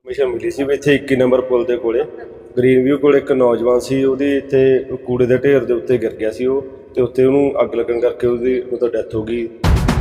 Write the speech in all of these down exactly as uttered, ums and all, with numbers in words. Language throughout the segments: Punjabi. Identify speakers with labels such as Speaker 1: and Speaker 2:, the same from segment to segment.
Speaker 1: ਇਨਫੋਰਮੇਸ਼ਨ ਮਿਲੀ ਸੀ ਵੀ ਇੱਥੇ ਇੱਕੀ ਨੰਬਰ ਪੁਲ ਦੇ ਕੋਲੇ ਗ੍ਰੀਨ ਵਿਊ ਕੋਲ ਇੱਕ ਨੌਜਵਾਨ ਸੀ, ਉਹਦੀ ਇੱਥੇ ਕੂੜੇ ਦੇ ਢੇਰ ਦੇ ਉੱਤੇ ਗਿਰ ਗਿਆ ਸੀ ਉਹ, ਤੇ ਉੱਤੇ ਉਹਨੂੰ ਅੱਗ ਲੱਗਣ ਕਰਕੇ ਉਹਦੀ ਮਤਲਬ ਡੈਥ ਹੋ ਗਈ।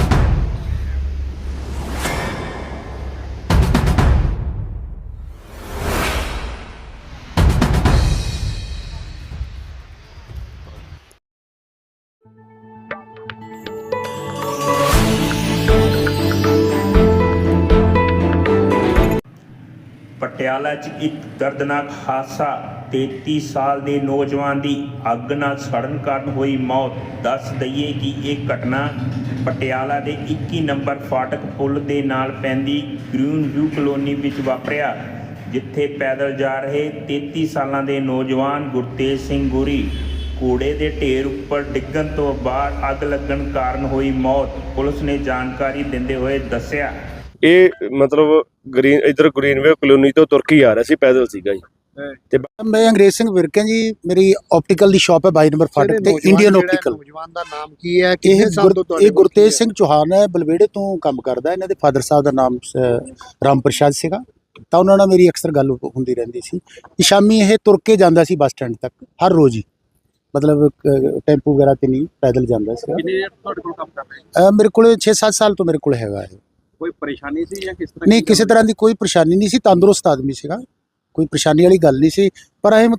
Speaker 2: ਪਟਿਆਲਾ 'ਚ ਇੱਕ ਦਰਦਨਾਕ ਹਾਦਸਾ, ਤੇਤੀ ਸਾਲ ਦੇ ਨੌਜਵਾਨ ਦੀ ਅੱਗ ਨਾਲ ਸੜਨ ਕਾਰਨ ਹੋਈ ਮੌਤ। ਦੱਸ ਦਈਏ ਕਿ ਇਹ ਘਟਨਾ ਪਟਿਆਲਾ ਦੇ ਇੱਕੀ ਨੰਬਰ ਫਾਟਕ ਪੁਲ ਦੇ ਨਾਲ ਪੈਂਦੀ ਗ੍ਰੀਨ ਵਿਊ ਕਲੋਨੀ ਵਿੱਚ ਵਾਪਰਿਆ, ਜਿੱਥੇ ਪੈਦਲ ਜਾ ਰਹੇ ਤੇਤੀ ਸਾਲਾਂ ਦੇ ਨੌਜਵਾਨ ਗੁਰਤੇਜ ਸਿੰਘ ਗੁਰੀ ਕੂੜੇ ਦੇ ਢੇਰ ਉੱਪਰ ਡਿੱਗਣ ਤੋਂ ਬਾਅਦ ਅੱਗ ਲੱਗਣ ਕਾਰਨ ਹੋਈ ਮੌਤ। ਪੁਲਿਸ ਨੇ ਜਾਣਕਾਰੀ ਦਿੰਦੇ ਹੋਏ ਦੱਸਿਆ,
Speaker 1: ਇਹ ਮਤਲਬ ਗ੍ਰੀਨ ਇਧਰ ਗ੍ਰੀਨ ਵੇ ਕਲੋਨੀ ਤੋਂ ਤੁਰ ਕੇ ਆ ਰਿਹਾ ਸੀ, ਪੈਦਲ ਸੀਗਾ ਜੀ।
Speaker 3: ਤੇ ਮੈਂ ਅੰਗਰੇਜ਼ ਸਿੰਘ ਵਿਰਕੇ ਜੀ, ਮੇਰੀ ਆਪਟੀਕਲ ਦੀ ਸ਼ਾਪ ਹੈ ਬਾਈ ਨੰਬਰ ਫਾਟਕ ਤੇ ਇੰਡੀਅਨ ਆਪਟੀਕਲ।
Speaker 4: ਨੌਜਵਾਨ ਦਾ ਨਾਮ ਕੀ ਹੈ? ਕਿੰਨੇ ਸਾਲ ਤੋਂ ਤੁਹਾਡੇ
Speaker 3: ਇਹ ਗੁਰਤੇਜ ਸਿੰਘ ਚੌਹਾਨ ਹੈ, ਬਲਵੇੜੇ ਤੋਂ ਕੰਮ ਕਰਦਾ। ਇਹਨਾਂ ਦੇ ਫਾਦਰ ਸਾਹਿਬ ਦਾ ਨਾਮ ਰਾਮ ਪ੍ਰਸ਼ਾਦ ਸੀਗਾ, ਤਾਂ ਉਹਨਾਂ ਨਾਲ ਮੇਰੀ ਅਕਸਰ ਗੱਲ ਹੁੰਦੀ ਰਹਿੰਦੀ ਸੀ। ਸ਼ਾਮੀ ਇਹ ਤੁਰ ਕੇ ਜਾਂਦਾ ਸੀ ਬੱਸ ਸਟੈਂਡ ਤੱਕ ਹਰ ਰੋਜ਼ ਹੀ, ਮਤਲਬ ਟੈਂਪੂ ਵਗੈਰਾ ਤੇ ਨਹੀਂ, ਪੈਦਲ ਜਾਂਦਾ ਸੀ।
Speaker 4: ਕਿੰਨੇ ਤੁਹਾਡੇ ਕੋਲ ਕੰਮ ਕਰ ਰਹੇ?
Speaker 3: ਮੇਰੇ ਕੋਲ ਛੇ ਸੱਤ ਸਾਲ ਤੋਂ ਮੇਰੇ ਕੋਲ ਹੈਗਾ ਹੈ।
Speaker 4: ਕੋਈ ਪਰੇਸ਼ਾਨੀ ਸੀ ਜਾਂ ਕਿਸ ਤਰ੍ਹਾਂ?
Speaker 3: ਨਹੀਂ, ਕਿਸੇ ਤਰ੍ਹਾਂ ਦੀ ਕੋਈ ਪਰੇਸ਼ਾਨੀ ਨਹੀਂ ਸੀ, ਤੰਦਰੁਸਤ ਆਦਮੀ ਸੀਗਾ, ਕੋਈ ਪਰੇਸ਼ਾਨੀ ਵਾਲੀ ਗੱਲ ਨਹੀਂ ਸੀ। ਪਰ ਇਹ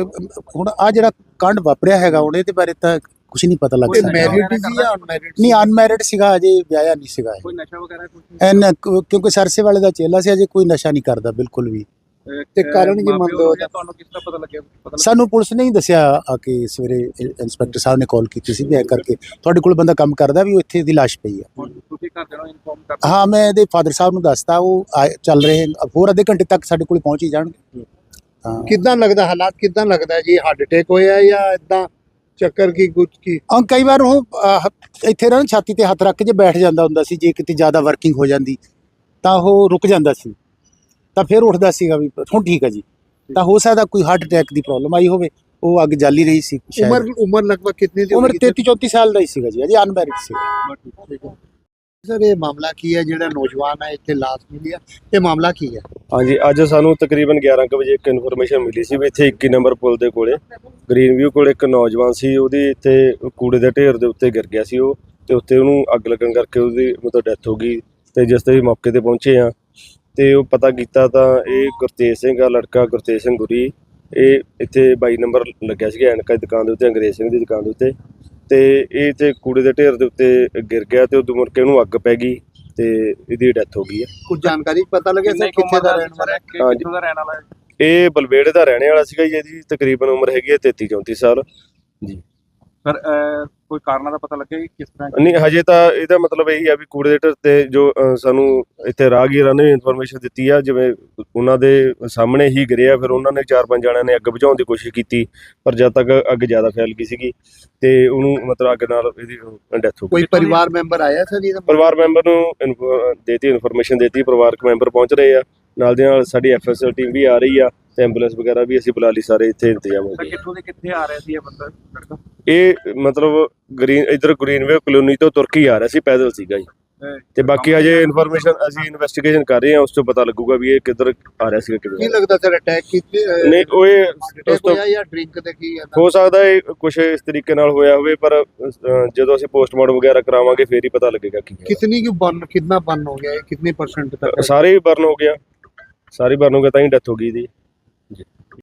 Speaker 3: ਹੁਣ ਆ ਜਿਹੜਾ ਕਾਂਡ ਵਾਪਰਿਆ ਹੈਗਾ, ਉਹਦੇ ਦੇ ਬਾਰੇ ਤਾਂ ਕੁਝ ਨਹੀਂ ਪਤਾ ਲੱਗ ਸਕਦਾ।
Speaker 4: ਮੈਰਿਡ ਸੀ ਜਾਂ ਅਨਮੈਰਿਡ?
Speaker 3: ਨਹੀਂ, ਅਨਮੈਰਿਡ ਸੀਗਾ, ਅਜੇ ਵਿਆਹਿਆ ਨਹੀਂ ਸੀਗਾ।
Speaker 4: ਕੋਈ ਨਸ਼ਾ ਵਗੈਰਾ ਕੁਝ?
Speaker 3: ਐਨ ਕਿਉਂਕਿ ਸਰਸੇ ਵਾਲੇ ਦਾ ਚੇਲਾ ਸੀ, ਅਜੇ ਕੋਈ ਨਸ਼ਾ ਨਹੀਂ ਕਰਦਾ ਬਿਲਕੁਲ ਵੀ।
Speaker 4: ਤੇ ਕਾਰਨ ਕੀ ਮੰਨਦੇ ਹੋ? ਤੁਹਾਨੂੰ ਕਿਸ ਤਰ੍ਹਾਂ ਪਤਾ ਲੱਗਿਆ?
Speaker 3: ਸਾਨੂੰ ਪੁਲਿਸ ਨੇ ਹੀ ਦੱਸਿਆ ਆ ਕਿ ਸਵੇਰੇ ਇੰਸਪੈਕਟਰ ਸਾਹਿਬ ਨੇ ਕਾਲ ਕੀਤੀ ਸੀ ਵੀ ਐ ਕਰਕੇ ਤੁਹਾਡੇ ਕੋਲ ਬੰਦਾ ਕੰਮ ਕਰਦਾ ਵੀ, ਉਹ ਇੱਥੇ ਦੀ ਲਾਸ਼ ਪਈ ਆ।
Speaker 4: ਤੁਸੀਂ ਘਰਦਿਆਂ ਨੂੰ ਇਨਫੋਰਮ ਕਰ?
Speaker 3: ਹਾਂ, ਮੈਂ ਇਹਦੇ ਫਾਦਰ ਸਾਹਿਬ ਨੂੰ ਦੱਸਤਾ, ਉਹ ਚੱਲ ਰਹੇ ਹੋਰ ਅੱਧੇ ਘੰਟੇ ਤੱਕ ਸਾਡੇ ਕੋਲ ਪਹੁੰਚ ਹੀ ਜਾਣਗੇ। ਹਾਂ,
Speaker 4: ਕਿੱਦਾਂ ਲੱਗਦਾ, ਹਾਲਾਤ ਕਿੱਦਾਂ ਲੱਗਦਾ ਜੀ? ਹਾਰਟ ਅਟੈਕ ਹੋਇਆ ਜਾਂ ਇਦਾਂ ਚੱਕਰ ਕੀ ਕੁਝ ਕੀ?
Speaker 3: ਹਾਂ, ਕਈ ਵਾਰ ਉਹ ਇੱਥੇ ਨਾ ਛਾਤੀ ਤੇ ਹੱਥ ਰੱਖ ਕੇ ਜੇ ਬੈਠ ਜਾਂਦਾ ਹੁੰਦਾ ਸੀ, ਜੇ ਕਿਤੇ ਜ਼ਿਆਦਾ ਵਰਕਿੰਗ ਹੋ ਜਾਂਦੀ ਤਾਂ ਉਹ ਰੁਕ ਜਾਂਦਾ ਸੀ, ਤਾਂ ਫਿਰ ਉੱਠਦਾ ਸੀਗਾ ਵੀ ਹੁਣ ਠੀਕ ਹੈ ਜੀ। ਤਾਂ ਹੋ ਸਕਦਾ ਕੋਈ ਹਾਰਟ ਅਟੈਕ ਦੀ ਪ੍ਰੋਬਲਮ ਆਈ ਹੋਵੇ, ਉਹ ਅੱਗ ਜਲ ਹੀ ਰਹੀ ਸੀ।
Speaker 4: ਉਮਰ ਉਮਰ ਲਗਭਗ ਕਿੰਨੀ ਦੀ?
Speaker 3: ਉਮਰ ਤੇਤੀ ਚੌਂਤੀ ਸਾਲ ਦਾ ਹੀ ਸੀਗਾ ਜੀ, ਅਜੇ ਅਨਮੈਰਿਡ ਸੀ।
Speaker 4: ਸਰ, ਇਹ ਮਾਮਲਾ ਕੀ ਹੈ ਜਿਹੜਾ ਨੌਜਵਾਨ ਹੈ ਇੱਥੇ ਲਾਸ਼ ਮਿਲੀ ਹੈ, ਇਹ ਮਾਮਲਾ ਕੀ ਹੈ?
Speaker 1: ਹਾਂਜੀ, ਅੱਜ ਸਾਨੂੰ ਤਕਰੀਬਨ ਗਿਆਰਾਂ ਕੁ ਵਜੇ ਇੱਕ ਇਨਫੋਰਮੇਸ਼ਨ ਮਿਲੀ ਸੀ ਵੀ ਇੱਥੇ ਇੱਕੀ ਨੰਬਰ ਪੁਲ ਦੇ ਕੋਲੇ ਗ੍ਰੀਨ ਵਿਊ ਕੋਲ ਇੱਕ ਨੌਜਵਾਨ ਸੀ, ਉਹਦੀ ਇੱਥੇ ਕੂੜੇ ਦੇ ਢੇਰ ਦੇ ਉੱਤੇ ਗਿਰ ਗਿਆ ਸੀ ਉਹ, ਤੇ ਉੱਤੇ ਉਹਨੂੰ ਅੱਗ ਲੱਗਣ ਕਰਕੇ ਉਹਦੀ ਮਤਲਬ ਡੈਥ ਹੋ ਗਈ। ਤੇ ਜਿਸ ਤੇ ਵੀ ਮੌਕੇ ਤੇ ਪਹੁੰਚੇ ਆ ਤੇ ਉਹ ਪਤਾ ਕੀਤਾ ਤਾਂ ਇਹ ਗੁਰਤੇਜ ਸਿੰਘ ਆ, ਲੜਕਾ ਗੁਰਤੇਜ ਸਿੰਘ ਗੁਰੀ, ਇਹ ਇੱਥੇ ਬਾਈ ਨੰਬਰ ਲੱਗਿਆ ਸੀਗਾ ਐਨਕਾ ਦੀ ਦੁਕਾਨ ਦੇ ਉੱਤੇ, ਅੰਗਰੇਜ਼ ਸਿੰਘ ਦੀ ਦੁਕਾਨ ਦੇ ਉੱਤੇ, ਤੇ ਇਹ ਇੱਥੇ ਕੂੜੇ ਦੇ ਢੇਰ ਦੇ ਉੱਤੇ ਗਿਰ ਗਿਆ ਤੇ ਉਦੋਂ ਮੁੜ ਕੇ ਉਹਨੂੰ ਅੱਗ ਪੈ ਗਈ ਤੇ ਇਹਦੀ ਡੈਥ ਹੋ ਗਈ ਆ।
Speaker 4: ਕੁਝ ਜਾਣਕਾਰੀ ਪਤਾ ਲੱਗਿਆ ਸਰ ਕਿੱਥੇ ਦਾ ਰਹਿਣ ਵਾਲਾ ਹੈ, ਕਿੱਥੋਂ ਦਾ ਰਹਿਣ ਵਾਲਾ ਹੈ?
Speaker 1: ਇਹ ਬਲਵੇੜੇ ਦਾ ਰਹਿਣੇ ਵਾਲਾ ਸੀਗਾ ਜੀ, ਇਹਦੀ ਤਕਰੀਬਨ ਉਮਰ ਹੈਗੀ ਹੈ ਤੇਤੀ ਚੌਂਤੀ ਸਾਲ ਜੀ।
Speaker 4: ਸਰ, ਕੋਈ ਕਾਰਨਾਂ ਦਾ ਪਤਾ ਲੱਗਿਆ ਕਿ ਕਿਸ ਤਰ੍ਹਾਂ?
Speaker 1: ਨਹੀਂ, ਹਜੇ ਤਾਂ ਇਹਦਾ ਮਤਲਬ ਇਹੀ ਆ ਵੀ ਕੂੜੇ ਦੇ ਢੇਰ ਤੇ ਜੋ ਸਾਨੂੰ ਇੱਥੇ ਰਾਹਗੀਰਾਂ ਨੇ ਇਨਫੋਰਮੇਸ਼ਨ ਦਿੱਤੀ ਆ, ਜਿਵੇਂ ਉਹਨਾਂ ਦੇ ਸਾਹਮਣੇ ਹੀ ਗਿਰਿਆ, ਫਿਰ ਉਹਨਾਂ ਨੇ ਚਾਰ ਪੰਜ ਜਣਿਆਂ ਨੇ ਅੱਗ ਬੁਝਾਉਣ ਦੀ ਕੋਸ਼ਿਸ਼ ਕੀਤੀ, ਪਰ ਜਦ ਤੱਕ ਅੱਗ ਜ਼ਿਆਦਾ ਫੈਲ ਗਈ ਸੀਗੀ ਤੇ ਉਹਨੂੰ ਮਤਲਬ ਅੱਗ ਨਾਲ ਇਹਦੀ ਡੈਥ ਹੋ ਗਈ।
Speaker 4: ਕੋਈ ਪਰਿਵਾਰ ਮੈਂਬਰ ਆਇਆ ਸਰ ਇਹਦਾ?
Speaker 1: ਪਰਿਵਾਰ ਮੈਂਬਰ ਨੂੰ ਦੇਤੀ ਇਨਫੋਰਮੇਸ਼ਨ ਦੇਤੀ, ਪਰਿਵਾਰਕ ਮੈਂਬਰ ਪਹੁੰਚ ਰਹੇ ਆ, ਨਾਲ ਦੇ ਨਾਲ ਸਾਡੀ ਐਫ ਐਸ ਐਲ ਟੀਮ ਵੀ ਆ ਰਹੀ ਆ ਤੇ ਐਂਬੂਲੈਂਸ ਵਗੈਰਾ ਵੀ ਅਸੀਂ ਬੁਲਾ ਲਈ, ਸਾਰੇ ਇੱਥੇ ਇੰਤਜ਼ਾਮ ਹੋ ਗਏ।
Speaker 4: ਕਿੱਥੋਂ ਦੇ ਕਿੱਥੇ ਆ ਰਿਹਾ ਸੀ ਇਹ ਬੰਦਾ?
Speaker 1: ਇਹ ਮਤਲਬ ਗ੍ਰੀਨ ਇਧਰ ਗ੍ਰੀਨ ਵੇ ਕਲੋਨੀ ਤੋਂ ਤੁਰ ਕੇ ਆ ਰਿਹਾ ਸੀ, ਪੈਦਲ ਸੀਗਾ ਜੀ। ਤੇ ਬਾਕੀ ਅਜੇ ਇਨਫੋਰਮੇਸ਼ਨ ਅਸੀਂ ਇਨਵੈਸਟੀਗੇਸ਼ਨ ਕਰ ਰਹੇ ਹਾਂ, ਉਸ ਤੋਂ ਪਤਾ ਲੱਗੂਗਾ ਵੀ ਇਹ ਕਿੱਧਰ ਆ ਰਿਹਾ ਸੀਗਾ,
Speaker 4: ਕੀ
Speaker 1: ਕਿੱਧਰ।
Speaker 4: ਲੱਗਦਾ ਸਰ ਅਟੈਕ ਕੀਤੀ?
Speaker 1: ਨਹੀਂ, ਉਹ ਇਹ ਉਸ ਤੋਂ
Speaker 4: ਜਾਂ ਡਰਿੰਕ ਦੇ ਕੀ ਹੈ?
Speaker 1: ਹੋ ਸਕਦਾ ਇਹ ਕੁਝ ਇਸ ਤਰੀਕੇ ਨਾਲ ਹੋਇਆ ਹੋਵੇ, ਪਰ ਜਦੋਂ ਅਸੀਂ ਪੋਸਟਮਾਰਟਮ ਵਗੈਰਾ ਕਰਾਵਾਂਗੇ ਫੇਰ ਹੀ ਪਤਾ ਲੱਗੇਗਾ ਕੀ ਹੈ।
Speaker 4: ਕਿਤਨੀ ਕੀ ਬਰਨ, ਕਿੰਨਾ ਬਰਨ ਹੋ ਗਿਆ, ਕਿੰਨੇ ਪਰਸੈਂਟ ਤੱਕ?
Speaker 1: ਸਾਰੇ ਹੀ ਬਰਨ ਹੋ ਗਿਆ, ਸਾਰੇ ਬਰਨ ਹੋ ਗਿਆ ਤਾਂ ਹੀ ਡੈਥ ਹੋ ਗਈ ਇਹਦੀ।